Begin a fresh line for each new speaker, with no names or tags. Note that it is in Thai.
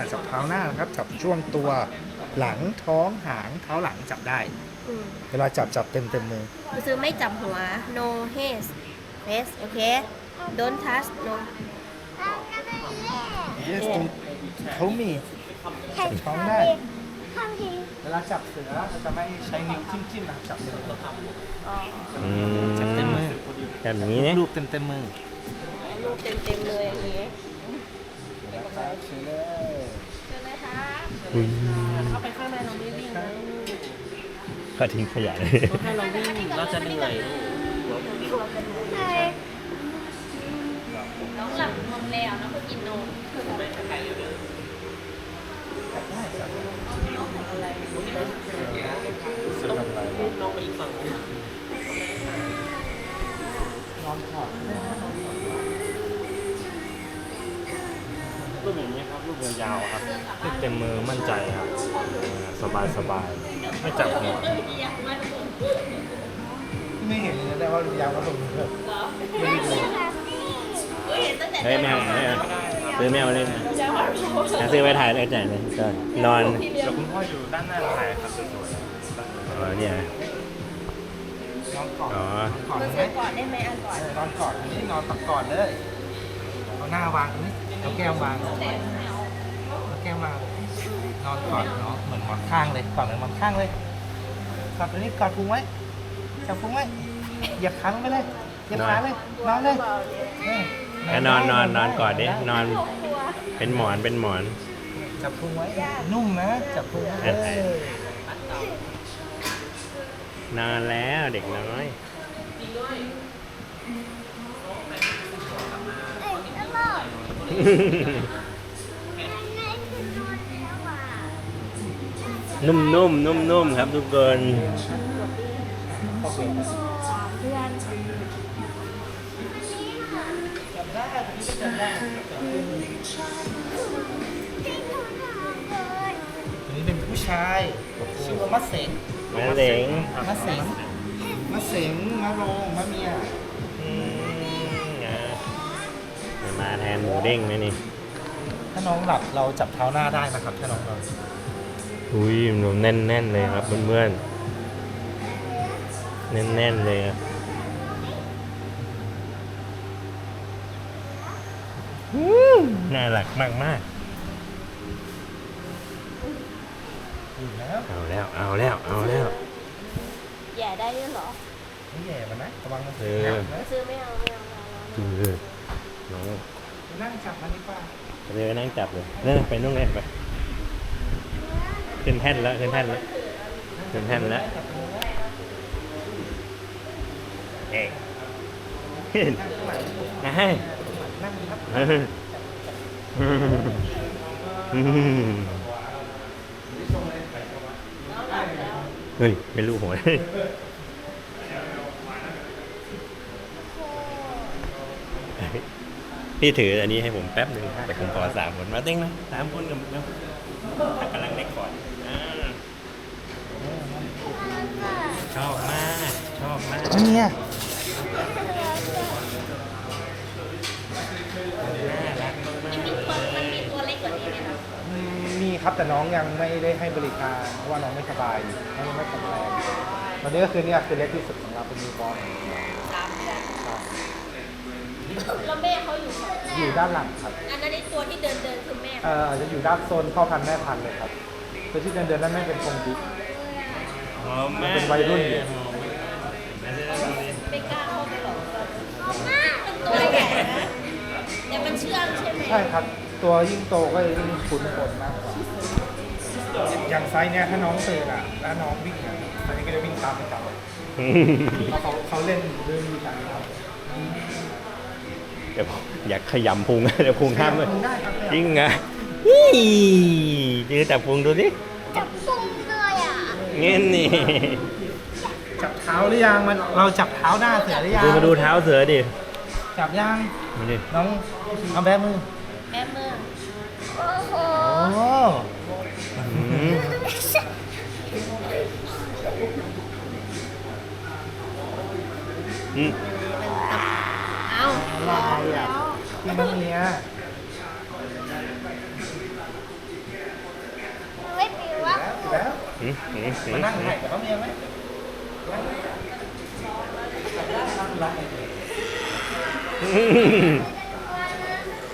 จับเท้าหน้านะครับจับช่วงตัวหลังท้องหางเท้าหลังจับได้เวลาจับเต็มมือ
ซื้อไม่จับหัว no hands face โอเค don't touch no
yes เขามีจับท้องได้เวลาจับเสือเราจะไม่ใช้นิ้วจิ้มนะจับเต็มมือจับเต็มมือ
แบบนี้เนี่ย
รูปเต็มมือ
รูปเต็มเลยอย่างนี้
เชิญเลย
ใช่ไหมคะ
อุ้ย
เข้าไปข้างในเราไม่วิ่งนะ
ก็ทิ้งขยะเลย
ถ้าเราวิ่งเราจะเหนื่อยน้องหลับนมแล้วน้องก็กินนมน้องไปอีกฝั่ง
นอนถอด
รูปอย่างนี้ครับรูปยาวๆครับเต็มมือมั่นใจครับสบายไม่จับหัว
ไม่เห็นเลยได้ว่ายาวก็ลงเถอะไม่ดู
เฮ้ยแมวซื้อแมวเล่นซื้อไปถ่ายแล้วจ่ายเลยก็นอน
เดี๋ยวคุณพ่ออยู่ด้านหน้าถ่ายครับสวยๆ
อ๋อเนี่ย
นอนก่อน
อ๋อ
ก่อน
มัน
ไหม
ซื้อก่อนได้ไหมอันก่อน
นอนก่อนนี่นอนตักก่อนเลยเอาหน้าวางตรงนี้เอาแก้มวางเอาแก้มวางนอนก่อนเนาะเหมือนหมอนข้างเลยก่อนเหมือนหมอนข้างเลยกอดตัวนี้กอดพุงไว้จับพุงไว้เหยียบขาลงไปเลยเหยียบขาเลยนอนเลย
แล้วนอนก่อนดินอนเป็นหมอน
จับพุงไว้นุ่มนะจับพุงไว้
นอนแล้วเด็กน้อย นุ่มครับทุกคน
ตัวนี้เป็นผู้ชายชื่อว่ามัดเสง
แม่เด็ง
มัดเสงมัดเสงมะโรงมะเมีย
มาแทนหมูเด้งไหมนี่
ถ้าน้องหลับเราจับเท้าหน้าได้นะครับถ้าน้องหลับ
อุ้ยหนูแน่นเลยครับเพื่อนๆแน่นเลยครับน่ารักมาก
อยู่แล้ว
ๆเอาแล้ว
แย่ได้ด้วยเหรอ
ไม่แย่มันนะระวังมัน
เอ
ห
อ
นักนะ
ซื้อไม่เอา
น้อง
นั่งจับมันดีกว่า
เลยนั่งจับเลยนั่นไปนู่นเลยไปขึ้นแท่นแล้วเอ๊ะให้
นั่งดีครับ
เฮ้ยไม่รู้หัวพี่ถืออันนี้ให้ผมแป๊บหนึ่งแต่ผมขอ3 คนมาเต้งนะ3 คนกับกำลังเล็กก่อนชอบมาก
อันเนี้ย
มันมีตัวเล็กกว่านี้ไหมคะ
มีครับแต่น้องยังไม่ได้ให้บริการเพราะว่าน้องไม่สบายน้องยังไม่แข็งแรงตอนนี้ก็คือเนี่ยคือเล็กที่สุดของเราเป็นนิวบอร์น
3 เดือนแล้วแม่เขาอยู่ฝั่ง
อยู่ด้านหลังครับ
อันนั้นในตัวที่เดินคือแม่
จะอยู่ด้านโซนพ่อพันธุ์แม่พันธุ์เลยครับตัวที่เดินนั่นไม่เป็นกรงดิ๊ก มันเป็นวัยรุ่นอยู่
ไม่กล้าเข้าไปหรอกมันตัวใหญ่นะแต่มันเชื่องใช่ไหม
ใช่ครับ ตัวยิ่งโตก็ยิ่งคุ้นคนมากกว่าอย่างไซส์เนี้ยถ้าน้องตื่นอ่ะแล้วน้องวิ่งอ่ะอันนี้ก็จะวิ่งตามไปจับเขาเล่นเรื่องนี้กันครับ
เดี๋ยวผมอยากขยำพุงเดี๋ยวพุงห้ามเลย
ได้ครับ
จริงไงยืนจับพุงดูดิ
จับพุงเลยอ่ะ
เงี้ยนี่
จับเท้าหรือยังมันเราจับเท้าหน้าเสือหรือยัง
มาดูเท้าเสือดิ
จับยัง
มาดิ
น้องเอาแบมือ
แม่มือโอ้โห
โอ้
เอา
ลายอ่ะที่มันเนี้ยมานั่งถ่ายกับน้องเมียไหมนั่งไหม
อืม